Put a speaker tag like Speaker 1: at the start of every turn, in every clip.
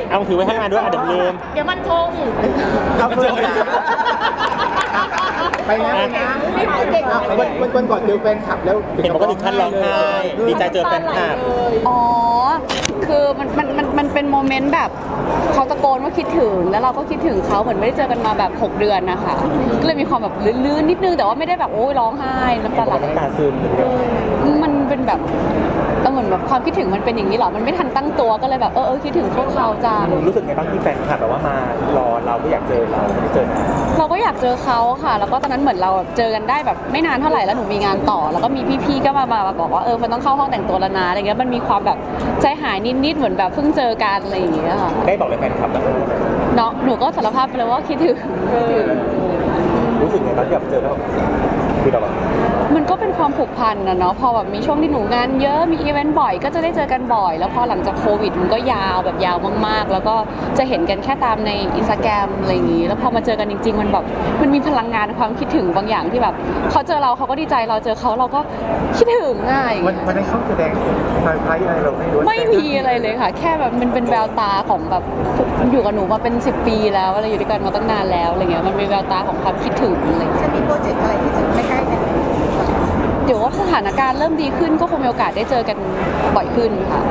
Speaker 1: เอาถือไว้ให้งานด้วยเดี๋ยวลืม
Speaker 2: เดี๋ยวมันคง
Speaker 3: เอาเพื่อนไปนะวันก่อนเจอแฟนคลับแล้ว
Speaker 1: เห็นบอกว่าถึงขั้นร้องไห้ดีใจเจอแฟนคลับ
Speaker 4: อ๋อ คือมันเป็นโมเมนต์แบบเขาตะโกนว่าคิดถึงแล้วเราก็คิดถึงเขาเหมือนไม่ได้เจอกันมาแบบ6 เดือนนะคะก็เลยมีความแบบลื่นๆนิดนึงแต่ว่าไม่ได้แบบโอ้ยร้องไห้น้ำตาไหล
Speaker 1: น้ำตาซึม
Speaker 4: มันเป็นแบบเหมือนแบบความคิดถึงมันเป็นอย่างนี้เหรอมันไม่ทันตั้งตัวก็เลยแบบคิดถึงพวกเขาจัง
Speaker 1: รู้สึกไงบ้างที่แฟนคลับแบบว่ามารอเราก็อยากเจอเราไม่ได้เจอนะ
Speaker 4: เราก็อยากเจอเขาค่ะ แล้วก็ตอนนั้นเหมือนเราเจอกันได้แบบไม่นานเท่าไหร่แล้วหนูมีงานต่อ แล้วก็มีพี่ๆก็มาบอกว่ามันต้องเข้าห้องแต่งตัวแล้วนะอะไรเงี้ยมันมีความแบบใจหายนิดๆเหมือนแบบเพิ่งเจอกันอะไรอย่างเงี้ยค่ะ
Speaker 1: ได้บอกเลยแฟนคลับแล้ว
Speaker 4: เนาะหนูก็สารภาพไปเลยว่าคิดถึง
Speaker 1: รู้สึกไงตอนที่แบบเจอแล้วแบบคือเราแบบ
Speaker 4: มันก็เป็นความผูกพันนะเนาะพอแบบมีช่วงที่หนูงานเยอะมีอีเวนต์บ่อยก็จะได้เจอกันบ่อย แล้วพอหลังจากโควิดมันก็ยาวแบบยาวมากๆ แล้วก็จะเห็นกันแค่ตามในอินสตาแกรมอะไรอย่างงี้แล้วพอมาเจอกันจริงๆมันแบบมันมีพลังงานความคิดถึงบางอย่างที่แบบเขาเจอเราเขาก็ดีใจเราเจอเขาเราก็คิดถึงง่าย
Speaker 3: วันนั้นเขาแสดงไฟไฟอะไรเราไม่รู้
Speaker 4: ไม่มีอะไรเลยค่ะ แค่แบบมันเป็นแววตาของแบบอยู่กับหนูมาเป็น10 ปีแล้วอะไรอยู่ด้วยกันมาตั้งนานแล้วอะไรเงี้ยมันเป็นแววตาของความคิดถึงอะไร
Speaker 2: จะมีโปรเจกต์อะไรที่จะใกล้ๆกัน
Speaker 4: เดี๋ยวว่าสถานการณ์เริ่มดีขึ้นก็คงมีโอกาสได้เจอกันบ่อยขึ้นค่ะ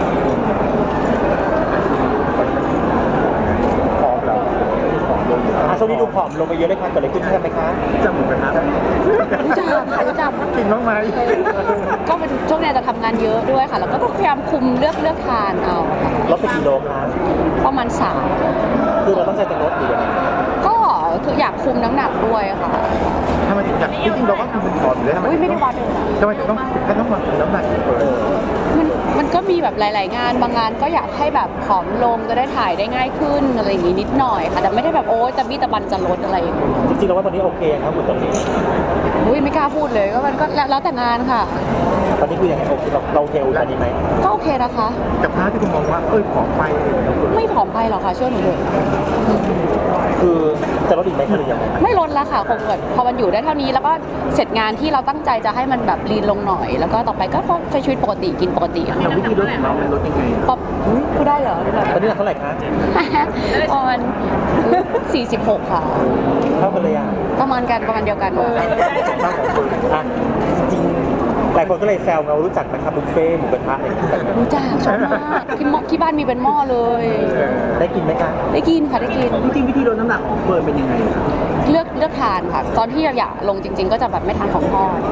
Speaker 3: พร้อมแล้ว
Speaker 1: ช่วงนี้ดูผอมลงไปเยอะเลยค่ะเกิดอะไรขึ้นใช่ไหมคะ
Speaker 3: จำหมูกระทะได้
Speaker 4: รู้จัก
Speaker 3: กินบ้างไหม
Speaker 4: ก็เป็นช่วงนี้จะทำงานเยอะด้วยค่ะ แล้วก็พยายามคุมเลือกทานเอาค่ะ
Speaker 1: ลดไปกี่โลคะ
Speaker 4: ประมาณ3
Speaker 1: คือเราต้องใจจะลดหรือยังไง
Speaker 4: ก็คืออยากคุมน้ำหนักด้วยค่ะ
Speaker 3: ทำไมถึงอยากจริงๆเราก็คือเป็นผอมอยู่แล้วทำไม
Speaker 4: อุ้ยไม่ได้วัดเลยนะ
Speaker 3: ทำไมถึงต้องมาคุมน้ำหนักเปิด
Speaker 4: มันก็มีแบบหลาย ๆ งานบางงานก็อยากให้แบบผอมลงจะได้ถ่ายได้ง่ายขึ้นอะไรอย่างงี้นิดหน่อยค่ะแต่ไม่ได้แบบโอ๊ยตะบี้ตะบันจะลดอะไรอย่างเงี้ย
Speaker 1: จริงๆแล้วว่าตอนนี้โอเคครับคุณตอนนี้
Speaker 4: อุ้ยไม่กล้าพูดเลยก็มันก็แล้วแต่งานค่ะ
Speaker 1: ตอนนี้คือยังไงโอเคเราโอเคตอนนี้ไหม
Speaker 4: ก็โอเคนะคะ
Speaker 3: กับพาร์ทที่คุณมองว่าผอมไปอะไรอย่างเงี้ย
Speaker 4: ไม่ผอมไปหรอกค่ะเชื่อหนูเถอะ
Speaker 1: คือจะลดอีกไหมคะหรือยังไง
Speaker 4: ไม่ลดแล้วค่ะคงแบบพอมันอยู่ได้เท่านี้แล้วก็เสร็จงานที่เราตั้งใจจะให้มันแบบลีนลงหน่อย แล้วก็ต่อไปก็ใช้ชีวิตปกติกินปกติค่ะ
Speaker 3: แต่วิธีลดของเรามันลดยังไง
Speaker 4: ป๊อปพูดได้เหรอ
Speaker 1: ตอนนี้หนักเท่าไหร่คะ
Speaker 4: ประมาณ46 ค่ะ
Speaker 1: เท่ากันเลยอ่ะ
Speaker 4: ประมาณเดียวกันค่ะ
Speaker 1: อ่ะจริงๆหลายคนก็เลยแซวเรารู้จักนะครับบุฟเฟ่ต์หมูกระทะอะไรอย่างเงี้ย
Speaker 4: รู้จักชอบมากที่บ้านมีเป็นหม้อเลย
Speaker 1: ได้กินไหมคะ
Speaker 4: ได้กินค่ะได้กิน
Speaker 3: จริงๆวิธีลดน้ำหนักของเฟิร์นเป็นยังไงครับ
Speaker 4: เลือกทานค่ะ ตอนที่อยากลงจริง ๆ ก็จะแบบไม่ทานของทอด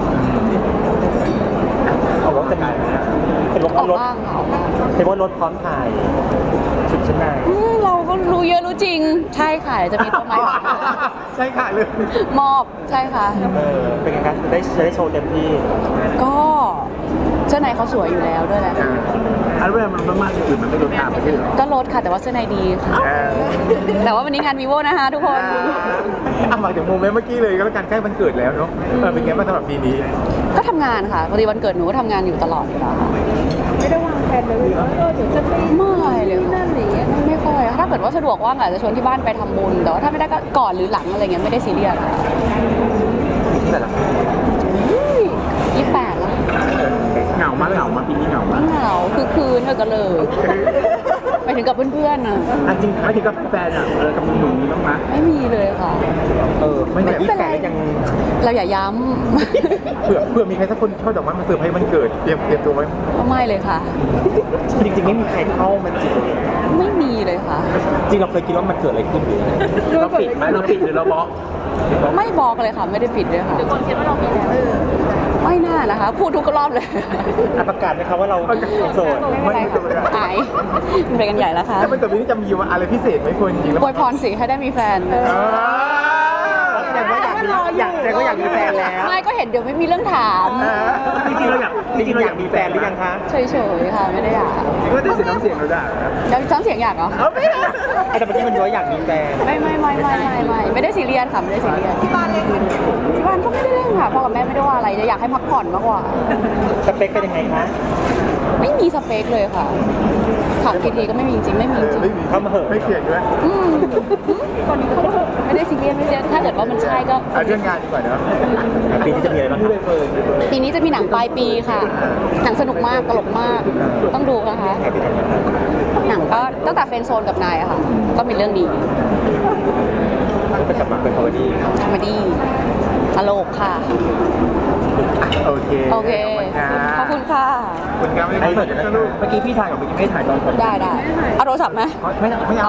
Speaker 1: เอาว่าจะมีเป็นรถ
Speaker 4: ออก
Speaker 1: รถ
Speaker 4: บ้างค่ะออกบ้าง
Speaker 1: เป็นว่ารถพร้อมถ่ายชุดชั้นใน
Speaker 4: เราก็รู้เยอะรู้จริง ใช่ค่ะเดี๋ยวจะมีตัวใหม่
Speaker 3: ใช่ค่ะเลย
Speaker 4: มอบใช่ค่ะ
Speaker 1: เป็นไงครับจะได้โชว์เต็มที่
Speaker 4: ก็เสื้อในเขาสวยอยู่แล้วด้วยแหละ
Speaker 3: อันเวลามันมากอื่นมันไม่ลดตามไปใช่หรอ
Speaker 4: ก็ลดค่ะแต่ว่าเสื้อในดีค่ะ แต่ว่าวันนี้งาน vivo นะคะทุกคน
Speaker 3: มาถึงโมเมนต์เมื่อกี้เลยก็แล้วกันใกล้วันเกิดแล้วเนาะเป็นไงบ้างสำหรับปีนี้
Speaker 4: ก็ทำงานค่ะพอดีวันเกิดหนูก็ทำงานอยู่ตลอดอยู่แล้วค่ะ
Speaker 2: ไม่ได้วางแผนเลยว่าเดี๋ยวจะไป
Speaker 4: ไม่เลย
Speaker 2: นั่นหรือ
Speaker 4: ไม่ค่อยถ้าเกิดว่าสะดวกว่างอาจจะชวนที่บ้านไปทำบุญแต่ว่าถ้าไม่ได้ก็ก่อนหรือหลังอะไรเงี้ยไม่ได้ซีเรียสค่ะ
Speaker 3: ที่ไหนล่ะ
Speaker 4: 28แล้ว
Speaker 3: เหงามาปีนี้เหงามา
Speaker 4: เหงาคือคืนเธอก็เลยไปถึงกับเพื่อนๆน่ะ
Speaker 3: อันจริงไม่ถึงกับแฟนอ่ะกับหนุ่มๆมีบ้างไหม
Speaker 4: ไม่มีเลยค่ะ
Speaker 3: ไม่แบบ
Speaker 4: เป็นไรเราอย่าย้ำ
Speaker 3: เผื่อมีใครสักคนช่อดอกไม้มาเซอร์ไพรส์วันเกิดเตรียมตัวไว้
Speaker 4: ก็ไม่เลยค่ะ
Speaker 1: จริงๆไม่มีใครเข้ามันจริง
Speaker 4: ไม่มีเลยค่ะ
Speaker 1: จริงเราเคยคิดว่ามันเกิดอะไรขึ้นหรือยังไง
Speaker 3: เราปิดไหมเราปิดหรือเราบล็อก
Speaker 4: ไม่บอกเลยค่ะ ไม่ได้ปิดเลยค่ะ
Speaker 2: คนคิดว่าเรามีแล้ว
Speaker 4: ไม่น่านะคะ พูดทุกรอบเลย
Speaker 1: ประกาศไหมครับว่าเราโสด
Speaker 4: ไม่เป็นไรค่ะอายมันไปกันใหญ่แล้วค่ะ
Speaker 3: แล้ววันเกิดปีนี้จะมีอะไรพิเศษไหมคนจริงแล้ว
Speaker 4: อวยพรสิให้ได้มีแฟน
Speaker 1: แสดงว่าอยากมีแฟนแล้ว
Speaker 4: ไม่ก็เห็นเดี๋ยวไม่มีเรื่องถาม
Speaker 3: จริงๆเราอยาก
Speaker 1: มีแฟนหรือยังคะ
Speaker 4: เฉยๆค่ะไม่ได้อยาก
Speaker 3: ก็ได้เสียงน้ำเสียงเราได้
Speaker 4: แล้วซ้ำเสียงอยากเหรอ
Speaker 1: แต่เมื่อกี้มันย้อยอยากมีแฟน
Speaker 4: ไม่ได้ซีเรียสค่ะไม่ได้ซีเรียสที่บ้านเล่นที่บ้านก็ไม่ได้เล่นค่ะพ่อกับแม่ไม่ได้ว่าอะไรจะอยากให้พักผ่อนมากกว่า
Speaker 1: สเปคเป็นยังไงคะ
Speaker 4: ไม่มีสเปคเลยค่ะถามกี่ทีก็ไม่มีจริงไม่มีจริง
Speaker 3: เข้ามาเหอะไม่เขียนด้วย
Speaker 4: คนนี้เขาไม่ไม่ได้ซีเรียสไม่ซีเรียสถ้าเกิดว่ามันใช่ก็
Speaker 3: เอาเรื่องงานดีกว่าเนาะ
Speaker 1: ปีนี้จะมีอะไรบ้างครับ
Speaker 4: ปีนี้จะมีหนังปลายปีค่ะ หนังสนุกมากตลกมาก ต้องดูนะคะ
Speaker 1: ใครไปทำงานบ้าง
Speaker 4: หนังก็ตั้งแต่เฟรนด์โซนกับนายอะค่ะ ก็มีเรื่องนี้
Speaker 1: ก็จะกลับมาเป็นคอมเมดี้
Speaker 4: คอมเมดี้ตลกค่ะ
Speaker 3: โอเค
Speaker 4: โอเค
Speaker 3: ขอบคุณค่ะ
Speaker 4: ขอบคุณค่ะ
Speaker 3: คุณครับไม่ได้คอนเสิร์ตนะลูก
Speaker 1: เมื่อกี้พี่ถ่ายกับเมื่อกี้ไม่ถ่ายตอนผม
Speaker 4: ได้เอาโทรศัพท์ไหม
Speaker 3: ไม่เอา